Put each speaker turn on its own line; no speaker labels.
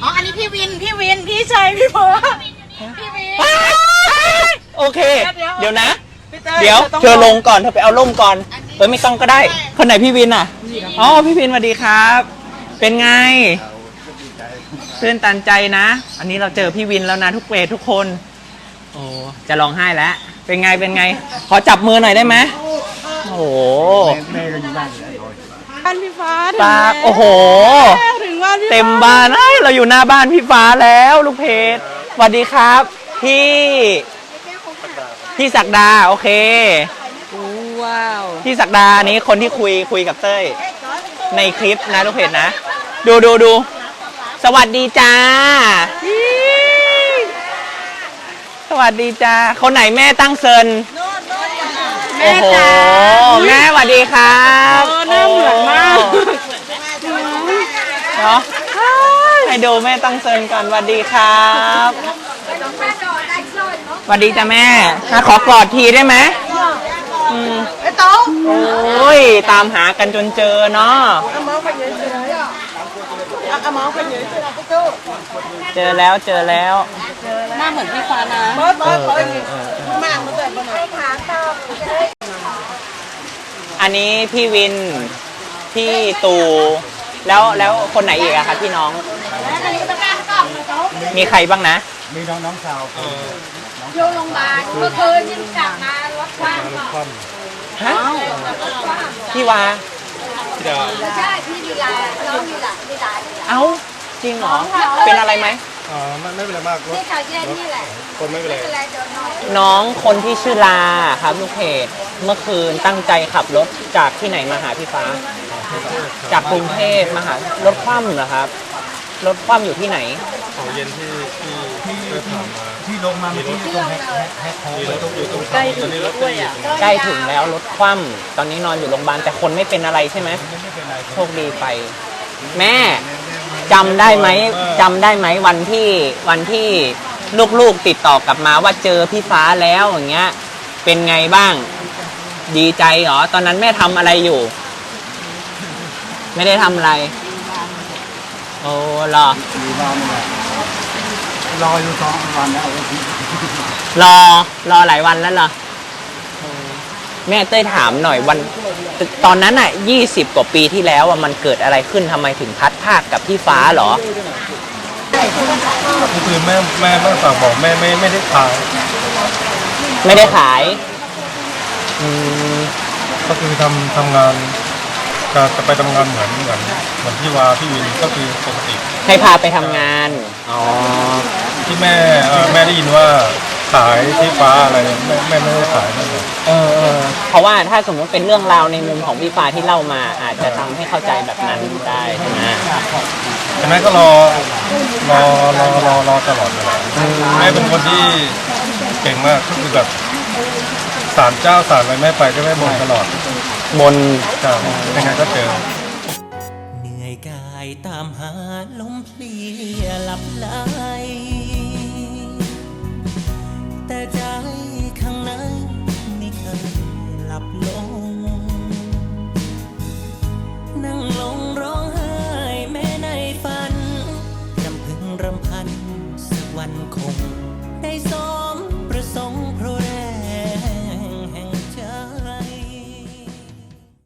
อ๋ออันนี้พี่วินพี่ชัยพี่เพิร์ดพี่วิน
โอเคเดี๋ยวนะ
พี่เต้ย
เดี๋ยวเธอลงก่อนเธอไปเอาร่มก่อนไม่ต้องก็ได้คนไหนพี่วินอ่ะอ๋อพี่วินสวัสดีครับ เป็นไงตื่นตันใจนะ อันนี้เราเจอพี่วินแล้วนะทุกเวททุกคนโอ้จะร้องไห้แล้วเป็นไงขอจับมือหน่อยได้ไหมโอ้โห
บ้านพี่ฟ้า
ปากโอ้โห
ถึงบ้านพี่
เต็มบ้านเราอยู่หน้าบ้านพี่ฟ้าแล้วลูกเพจสวัสดีครับพี่ศักดาโอเค
ว้าว
พี่ศักดานี้คนที่คุยกับเต้ยในคลิปนะลูกเพจนะดูสวัสดีจ้าสวัสดีจ้าคนไหนแม่ตั้งเซินโอ้โหแม่สวัสดีครับ
หน้าเหมือนมาก
เนาะให้ดูแม่ตั้งเซินก่อนสวัสดีครับสวัสดีจ้าแม่ขอกอดทีได้ไหม
ไอ้โต๊ะ
โอ้ยตามหากันจนเจอเนาะเจอแล้ว
หน้าเหมือนพี่ฟ้านะ
อันนี้พี่วินพี่ตูแล้วคนไหนอีกอะคะพี่น้องมีใครบ้างนะ
มีน้องสาว
อยู่โรงพยาบาลเมื่อคืนยังกลับมารถคว่ำ
ฮะพี่วา
ไม่ใช่พี่ลีลาน้องลีลา
เอ้าจริงเหรอเป็นอะไรไหม
ไม่เป็นไรมาก
นี่เขาแค่นี่แหละ
คนไม่เป็นไร
น้องคนที่ชื่อลาครับลูกเพจเมื่อคืนตั้งใจขับรถจากที่ไหนมาหาพี่ฟ้าจากกรุงเทพมาหารถคว่ำเหรอครับรถคว่ำอยู่ที่ไหน
ของเย็นที่ผ่านมาที่ลงมาที่ตรงแฮกอยู่ตรงใกล้ถึงด้วยอ่ะ
ใกล้ถึงแล้วรถคว่ำตอนนี้นอนอยู่โรงพยาบาลแต่คนไม่เป็นอะไรใช่ไหมโชคดีไปแม่จำได้ไหมวันที่ลูกๆติดต่อกลับมาว่าเจอพี่ฟ้าแล้วอย่างเงี้ยเป็นไงบ้างดีใจเหรอตอนนั้นแม่ทำอะไรอยู่ไม่ได้ทำอะไรโอ้รอ
อยู่2 วันแล้ว
รอหลายวันแล้วเหรอแม่เต้ยถามหน่อยวันตอนนั้นอ่ะ20 กว่าปีที่แล้วมันเกิดอะไรขึ้นทำไมถึงพัดภาคกับพี่ฟ้าเหรอ
คือแม่ฝากบอกแม่ไม่ได้ขายก็คือทำงานจะไปทำงานเหมือนที่ว่าพี่วินก็คือปกติ
ให้พาไปทำงานอ๋อ
ที่แม่ได้ยินว่าขายที่ฟ้าอะไรแม่ไม่ได้ขายนั่นเลย
เพราะว่าถ้าสมมติเป็นเรื่องราวในมุมของพี่ฟ้าที่เล่ามาอาจจะทำให้เข้าใจแบบนั้นได้ใช่ไหม
แต่แม่ก็รอตลอดเลยแม่เป็นคนที่เก่งมากก็คือแบบศาลเจ้าศาลอะไรแม่ไปก็แม่บนตลอด
บน
ยังไงก็เจอ
เหนื่อยกายตามหาลมเพลียหลับไหลแต่ใจข้างในไม่เคยหลับลง